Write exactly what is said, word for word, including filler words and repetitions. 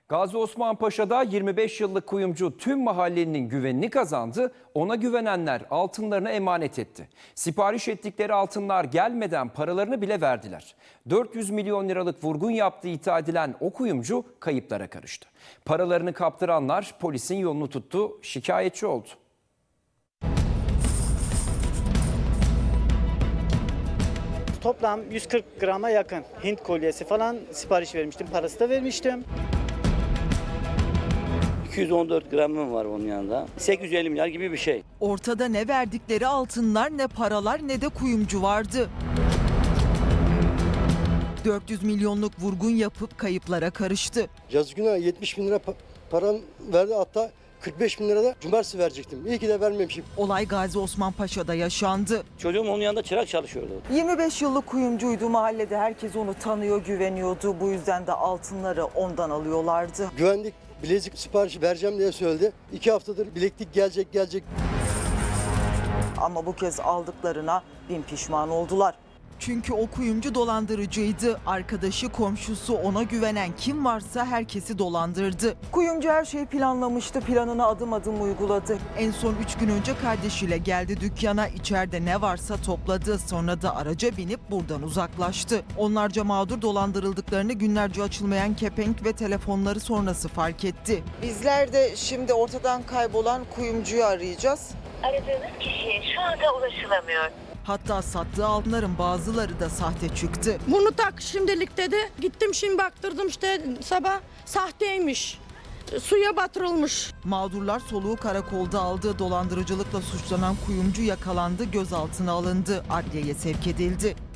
Gazi Osman Paşa'da yirmi beş yıllık kuyumcu tüm mahallenin güvenini kazandı. Ona güvenenler altınlarını emanet etti. Sipariş ettikleri altınlar gelmeden paralarını bile verdiler. dört yüz milyon liralık vurgun yaptığı iddia edilen o kuyumcu kayıplara karıştı. Paralarını kaptıranlar polisin yolunu tuttu, şikayetçi oldu. Toplam yüz kırk grama yakın Hint kolyesi falan sipariş vermiştim. Parası da vermiştim. iki yüz on dört gramım var onun yanında. sekiz yüz elli milyar gibi bir şey. Ortada ne verdikleri altınlar, ne paralar, ne de kuyumcu vardı. dört yüz milyonluk vurgun yapıp kayıplara karıştı. Yazık günah yetmiş bin lira pa- param verdi, hatta kırk beş bin lira da cumartesi verecektim. İyi ki de vermemişim. Olay Gazi Osman Paşa'da yaşandı. Çocuğum onun yanında çırak çalışıyordu. yirmi beş yıllık kuyumcuydu. Mahallede herkes onu tanıyor, güveniyordu. Bu yüzden de altınları ondan alıyorlardı. Güvenlik bilezik siparişi vereceğim diye söyledi. İki haftadır bileklik gelecek gelecek. Ama bu kez aldıklarına bin pişman oldular. Çünkü o kuyumcu dolandırıcıydı. Arkadaşı, komşusu, ona güvenen kim varsa herkesi dolandırdı. Kuyumcu her şeyi planlamıştı. Planını adım adım uyguladı. En son üç gün önce kardeşiyle geldi dükkana. İçeride ne varsa topladı. Sonra da araca binip buradan uzaklaştı. Onlarca mağdur dolandırıldıklarını günlerce açılmayan kepenk ve telefonları sonrası fark etti. Bizler de şimdi ortadan kaybolan kuyumcuyu arayacağız. Aradığınız kişiye şu anda ulaşılamıyor. Hatta sattığı altınların bazıları da sahte çıktı. Bunu tak şimdilik dedi. Gittim şimdi baktırdım işte sabah sahteymiş. Suya batırılmış. Mağdurlar soluğu karakolda aldı. Dolandırıcılıkla suçlanan kuyumcu yakalandı, gözaltına alındı, adliyeye sevk edildi.